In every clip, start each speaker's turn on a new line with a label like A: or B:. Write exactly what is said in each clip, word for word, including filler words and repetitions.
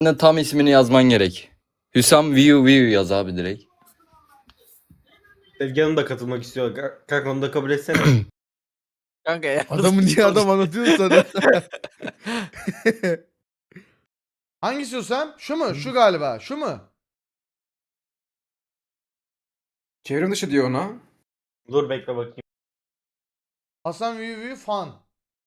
A: Ne, tam ismini yazman gerek. Hüsam Viu Viu yaz abi direkt.
B: Sevgi da katılmak istiyor. Ka- Kanka onu da kabul etsene.
C: Kanka ya.
D: Adamı niye adam anlatıyorsun sana? Hangisi o sen? Şu mu? Şu galiba. Şu mu?
E: Çevrim dışı diyor ona.
B: Dur bekle bakayım.
D: Hasan Viu Viu fan.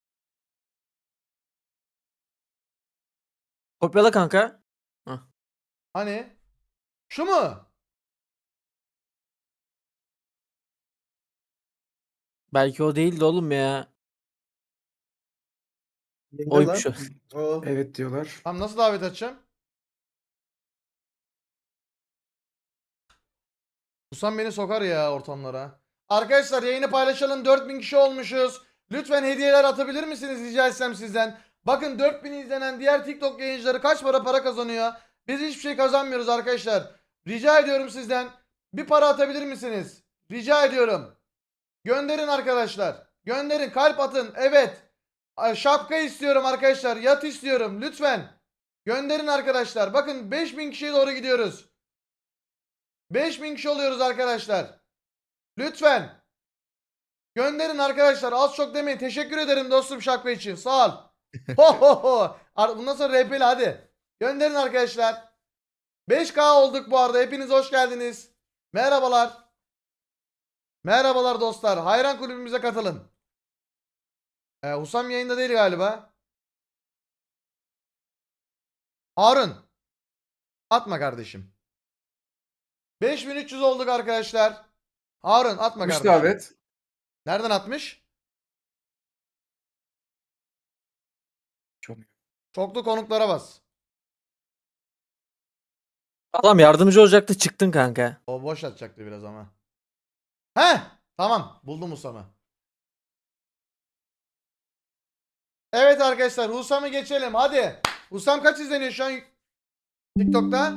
C: Kopyala kanka.
D: Hani? Şu mu?
C: Belki o değildi oğlum ya.
F: Ne
C: Oymuş o.
F: lan? O.
E: Evet diyorlar.
D: Tamam, nasıl davet edeceğim? Husam beni sokar ya ortamlara. Arkadaşlar yayını paylaşalım. dört bin kişi olmuşuz. Lütfen hediyeler atabilir misiniz rica etsem sizden. Bakın dört bin izlenen diğer TikTok yayıncıları kaç para para kazanıyor. Biz hiçbir şey kazanmıyoruz arkadaşlar. Rica ediyorum sizden. Bir para atabilir misiniz? Rica ediyorum. Gönderin arkadaşlar. Gönderin, kalp atın. Evet. Ay, şapka istiyorum arkadaşlar. Yat istiyorum. Lütfen. Gönderin arkadaşlar. Bakın beş bin kişiye doğru gidiyoruz. beş bin kişi oluyoruz arkadaşlar. Lütfen. Gönderin arkadaşlar. Az çok demeyin. Teşekkür ederim dostum şapka için. Sağ ol. Ho ho ho. Ar- Bundan sonra R P'li hadi. Gönderin arkadaşlar. beş K olduk bu arada. Hepiniz hoş geldiniz. Merhabalar. Merhabalar dostlar. Hayran kulübümüze katılın. Ee, Husam yayında değil galiba. Harun. Atma kardeşim. beş bin üç yüz olduk arkadaşlar. Harun atma
E: Atmış
D: kardeşim.
E: davet.
D: Nereden atmış?
E: Çok.
D: Çoklu konuklara bas.
C: Adam yardımcı olacaktı, çıktın kanka.
D: O boş atacaktı biraz ama. He, tamam, buldum Husam'ı. Evet arkadaşlar, Husam'ı geçelim hadi. Husam kaç izleniyor şu an TikTok'ta?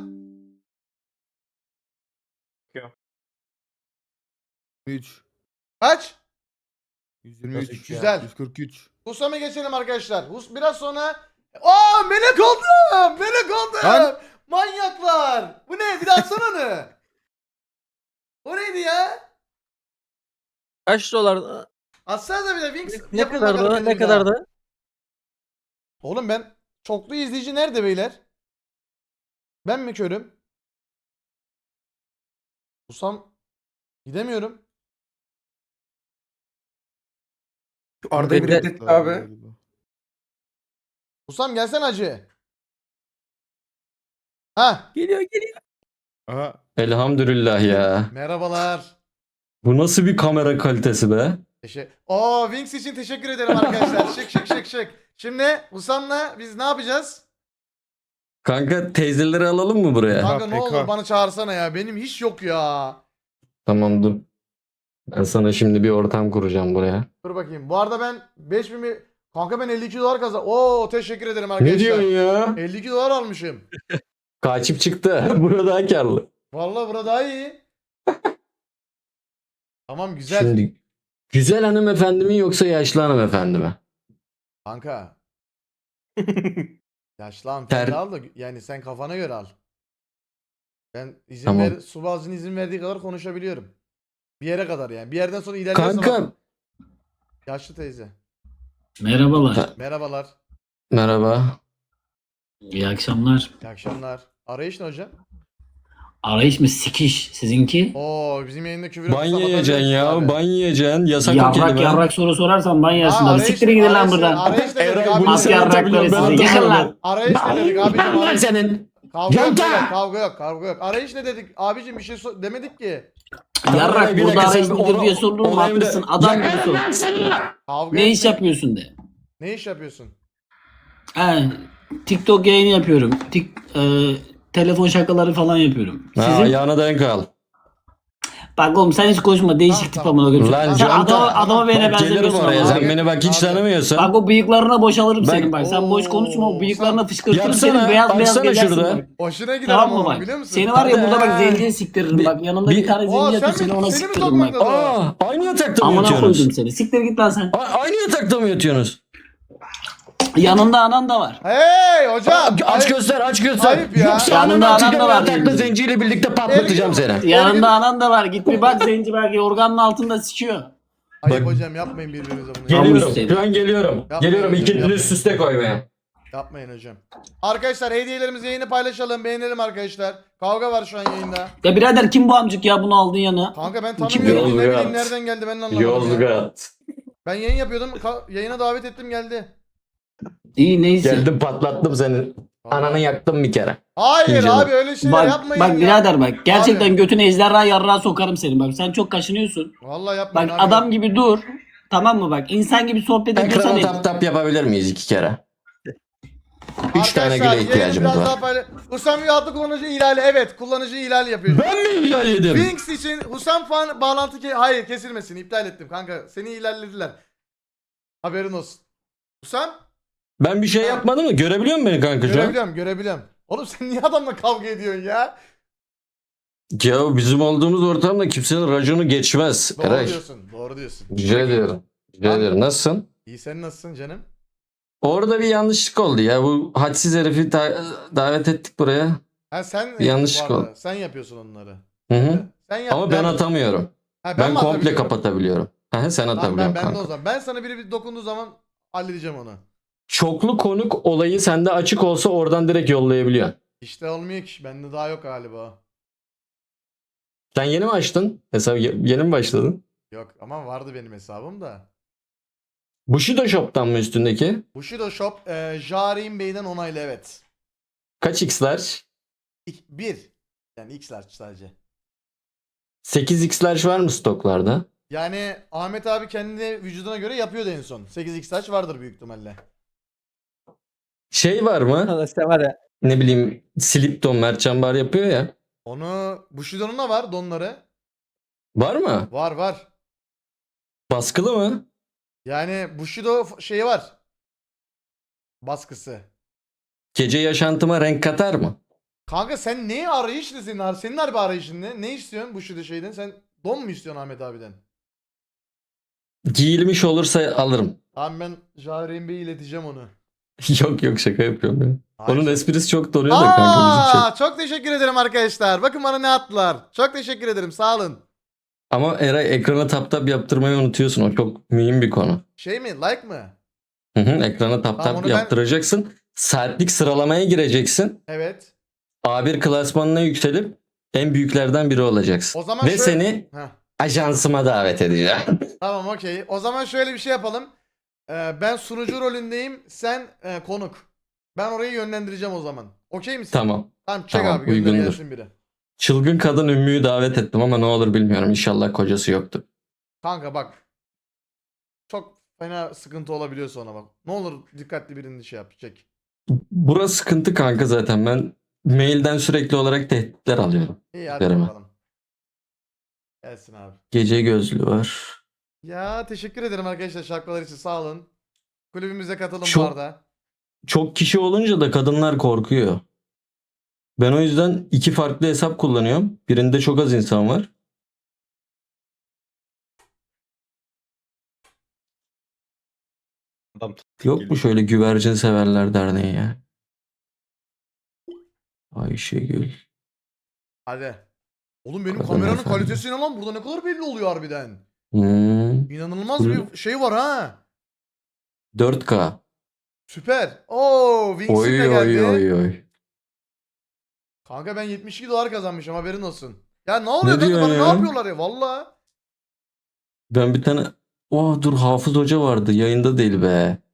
D: üç. Kaç? yüz yirmi
B: Nasıl
D: üç.
B: üç ya?
D: Güzel.
F: yüz kırk üç.
D: Husam'ı geçelim arkadaşlar. Hus biraz sonra... Aa melek oldum! Melek oldum!
F: Lan!
D: Manyaklar! Bu ne? Bir daha atsana onu. O neydi ya?
C: Kaç dolar?
D: Atsanıza bir de Wings.
C: Ne
D: yapın
C: kadardı?
D: bakalım
C: Ne
D: bir daha.
C: kadardı?
D: Oğlum ben çoklu izleyici nerede beyler? Ben mi körüm? Husam gidemiyorum.
E: Şu Arda'yı bir
C: Bekle.
E: reddetti abi.
D: Husam gelsen acı. Ha,
C: Geliyor geliyor.
F: Aha.
A: Elhamdülillah ya.
D: merhabalar.
A: Bu nasıl bir kamera kalitesi be?
D: Teşekkür. Oo, Wings için teşekkür ederim arkadaşlar. Şık şık şık şık. Şimdi Husam'la biz ne yapacağız?
A: Kanka teyzeleri alalım mı buraya?
D: Kanka ne
F: P K.
D: olur bana çağırsana ya. Benim hiç yok ya.
A: Tamam dur. Ben sana şimdi bir ortam kuracağım buraya.
D: Dur bakayım. Bu arada ben beş bin bir... Kanka ben elli iki dolar kazan. Oo, teşekkür ederim arkadaşlar.
A: Ne diyorsun ya?
D: elli iki dolar almışım.
A: Kaçıp çıktı. Burada daha karlı.
D: Vallahi burada daha iyi. Tamam güzel.
A: Şimdi güzel hanımefendi mi yoksa yaşlı hanımefendi mi?
D: Kanka. Yaşlı hanımefendi
A: Ter-
D: al da yani sen kafana göre al. Ben izin
A: Tamam.
D: ver, Subaz'ın izin verdiği kadar konuşabiliyorum. Bir yere kadar yani. Bir yerden sonra ilerliyorsa
A: Kanka
D: bak- Yaşlı teyze.
G: Merhabalar.
D: Merhabalar.
A: merhaba.
G: İyi akşamlar.
D: İyi akşamlar. Arayış ne hocam?
G: Arayış mı sikiş sizinki?
D: Oo bizim yayında küfür
A: Ban yiyeceksin ya. Ban yiyeceksin. Yasak o
G: Yarrak
A: kelime.
G: yarrak soru sorarsan ban yersin
D: Aa,
G: abi.
D: arayış-
G: Siktirin gidin lan
D: arayış-
G: buradan.
D: Arayış ne dedik
A: Eray,
D: abi?
A: bunu
G: Mas
A: sen
G: yarrakları
A: atabiliyorsun, ben
G: sizi. Yıkın
A: atamıyorum.
G: lan.
D: Arayış ne dedik abicim?
A: Lan
D: Arayış...
A: senin.
D: Kavga yok,
A: Yanta!
D: beyler, kavga yok, kavga yok. Arayış ne dedik? Abicim bir şey so- demedik ki.
G: Yarrak
A: Bir
G: burada
A: dakika,
G: arayış
A: sen
G: nedir
A: onu-
G: diye sordun mu
A: onu hem de-
G: haklısın. Adam gibi sor.
D: Kavga
G: Ne iş
D: etme.
G: yapıyorsun de.
D: Ne iş yapıyorsun?
G: He, TikTok yayını yapıyorum. Tik, e, telefon şakaları falan yapıyorum.
A: Ha,
G: Sizin?
A: ayağına denk al.
G: Bak oğlum sen hiç konuşma. Değişik
D: Tamam,
G: tip
D: tamam.
G: amına koyayım.
A: Lan
G: Sen
A: Conta.
G: adama, adama beni
A: Bak gelirim
G: benzemiyorsun
A: oraya.
G: ama.
A: Sen beni bak hiç
D: Abi.
A: tanımıyorsun.
G: Bak o bıyıklarına boşalırım
A: Ben-
G: senin bak. Sen boş
D: Oo,
G: konuşma o bıyıklarına
D: sen-
G: fışkırtırım
A: Yapsana,
G: senin beyaz beyaz
A: açsana
G: gezersin
A: şurada.
G: bak.
D: Hoşuna gider
G: Tamam
D: ama
G: mı
D: onu
G: bak?
D: biliyor musun?
G: Seni var ya burada bak
A: Hadi.
G: zenciye siktiririm
A: Bir-
G: bak. Yanında
A: bir-
G: bir tane
D: Oo,
G: zenci
D: sen
G: yatıyor
D: mi-
G: seni ona
D: seni mi
G: siktiririm bak.
D: tokmakladın?
A: Aa, aynı yatakta mı
G: Amına koydum
A: yatıyorsunuz?
G: seni. Siktir git lan sen.
A: A- aynı yatakta mı yatıyorsunuz?
G: Yanında anan da var.
D: Hey hocam.
A: Aç
D: ayıp-
A: göster aç göster.
D: ayıp ya.
A: Yoksa
G: Yanında
A: ananı
G: anam
A: atacağım
G: da var
A: yatakta
G: diyor.
A: zenciyle birlikte patlatacağım seni.
G: Yanında anan da var. Git bir bak zenci belki yorganın altında sıçıyor.
D: Ayıp
A: Bak-
D: hocam yapmayın birbirinize bunu.
G: Gel-
A: Geliyorum.
G: seni.
A: Şu an geliyorum.
D: Yapmayın
A: Geliyorum
D: hocam,
A: ikinci
D: yapmayın.
A: üst üste koymaya.
D: Yapmayın hocam. Arkadaşlar hediyelerimizi yayını paylaşalım. Beğenelim arkadaşlar. Kavga var şu an yayında.
G: Ya birader kim bu amcık ya bunu aldın yana?
D: Kanka ben
G: Kim
D: tanımıyorum. Ne
A: Yozgat.
D: bileyim nereden geldi ben de anlamadım ya.
A: Yozgat.
D: Ben yayın yapıyordum. ka- yayına davet ettim geldi.
G: İyi neyse.
A: Geldim patlattım seni. Ananı yaktım bir kere.
D: Hayır
A: İnce
D: abi öyle şeyler
G: Bak,
D: yapmayın
G: bak
D: ya.
G: birader bak. Gerçekten
D: Abi.
G: götüne ejderha yarrağı sokarım seni bak. Sen çok kaşınıyorsun.
D: Vallahi
G: Bak
D: yapmayın abi.
G: adam gibi dur. Tamam mı bak? İnsan gibi sohbet ediyorsan
A: Ekrana
G: et.
A: tap tap yapabilir miyiz iki kere? Üç tane
D: Arkadaşlar,
A: güle
D: yayını
A: ihtiyacımız
D: biraz
A: var.
D: daha paylaş- Husam adlı kullanıcı ihlali. Evet kullanıcı ihlal yapıyor.
A: Ben mi ihlal yedim?
D: Wings için Husam fan bağlantı ke hayır kesilmesin iptal ettim kanka seni ilerlediler. Haberin olsun. Husam
A: Ben bir şey yapmadım mı? Görebiliyor musun beni kanka şu an?
D: görebiliyorum görebiliyorum. Oğlum sen niye adamla kavga ediyorsun ya?
A: Ya bizim olduğumuz ortamda kimsenin raconu geçmez.
D: Doğru
A: Eray.
D: diyorsun doğru diyorsun.
A: Rica ediyorum. Rica
D: Abi-
A: ediyorum. Nasılsın?
D: İyi sen nasılsın canım?
A: Orada bir yanlışlık oldu ya. Bu hadsiz herifi da- davet ettik buraya.
D: Ha sen
A: Bir yanlışlık
D: bu arada,
A: oldu.
D: Sen yapıyorsun onları.
A: Hı hı.
D: Sen yap.
A: Ama ben atamıyorum.
D: Ha,
A: Ben
D: mi
A: komple
D: atabiliyorum?
A: kapatabiliyorum. Aha, sen
D: Tamam,
A: atabiliyorsun
D: ben, ben de
A: kanka.
D: o zaman. Ben sana biri bir dokunduğu zaman halledeceğim onu.
A: Çoklu konuk olayı sende açık olsa oradan direkt yollayabiliyorsun.
D: İşte olmuyor ki. Bende daha yok galiba.
A: Sen yeni mi açtın? Hesap ye- yeni mi başladın?
D: Yok ama vardı benim hesabım da.
A: Bushido Shop'tan mı üstündeki?
D: Bushido Shop e, Jarin Bey'den onaylı evet.
A: Kaç x'ler?
D: İk- Bir. Yani X'ler sadece.
A: sekiz x'ler var mı stoklarda?
D: Yani Ahmet abi kendi vücuduna göre yapıyordu en son. sekiz X saç vardır büyük ihtimalle.
A: Şey var mı?
C: Sen var ya.
A: Ne bileyim Slip Don Mertcan Bar yapıyor ya.
D: Onu Bushido'nun da var donları.
A: Var mı?
D: Var var.
A: Baskılı mı?
D: Yani Bushido f- şeyi var. Baskısı.
A: Gece yaşantıma renk katar mı?
D: Kanka sen neyi arayışlı senin? ar- Senin harbi arayışın ne? Ne istiyorsun Bushido şeyden? Sen don mu istiyorsun Ahmet abiden?
A: Giyilmiş olursa alırım.
D: Tamam ben Jarin Bey'e ileteceğim onu.
A: Yok yok şaka yapıyorum ya.
D: Hayır.
A: Onun esprisi çok donuyor da kanka bizim şey.
D: Aa, çok teşekkür ederim arkadaşlar. Bakın bana ne attılar. Çok teşekkür ederim. Sağ olun.
A: Ama Eray ekrana tap tap yaptırmayı unutuyorsun. O çok mühim bir konu.
D: Şey mi? Like mı?
A: Hı hı, ekrana tap
D: Tamam,
A: tap
D: onu ben-
A: yaptıracaksın. Saatlik sıralamaya gireceksin.
D: Evet.
A: A bir klasmanına yükselip en büyüklerden biri olacaksın.
D: O zaman
A: Ve
D: şöyle-
A: seni
D: Heh,
A: ajansıma davet edeceğim.
D: tamam okey. O zaman şöyle bir şey yapalım. Ee, ben sunucu rolündeyim. Sen e, konuk. Ben orayı yönlendireceğim o zaman. Okey misin?
A: Tamam.
D: Tamam çek
A: Tamam,
D: abi gönder
A: uygundur.
D: gelsin biri.
A: Çılgın kadın Ümmü'yü davet ettim ama ne olur bilmiyorum. İnşallah kocası yoktur.
D: Kanka bak. Çok fena sıkıntı olabiliyor sonra bak. Ne olur dikkatli birini şey yap. Çek.
A: Burası sıkıntı kanka zaten. Ben mailden sürekli olarak tehditler alıyorum.
D: İyi hadi
A: Vereme.
D: bakalım. Gelsin abi.
A: Gece gözlü var.
D: Ya teşekkür ederim arkadaşlar şarkılar için sağ olun. Kulübümüze katılın
A: Çok-
D: bu arada.
A: Çok kişi olunca da kadınlar korkuyor. Ben o yüzden iki farklı hesap kullanıyorum. Birinde çok az insan var.
B: Adam
A: Yok mu şöyle güvercin severler derneği ya? Ayşegül.
D: Hadi. Oğlum benim
A: Kadın
D: kameranın
A: efendim.
D: kalitesi ne lan? Burada ne kadar belli oluyor harbiden.
A: Hmm,
D: İnanılmaz
A: Buyurun.
D: bir şey var ha.
A: dört K.
D: Süper. Oo, Wings'in
A: Oy
D: de geldi.
A: oy oy oy.
D: Kanka ben yetmiş iki dolar kazanmışım haberin olsun. Ya ne oluyor
A: Ne
D: kanka bana
A: diyorsun
D: ne
A: ya?
D: yapıyorlar ya valla.
A: Ben bir tane... Oh dur Hafız Hoca vardı. Yayında değil be.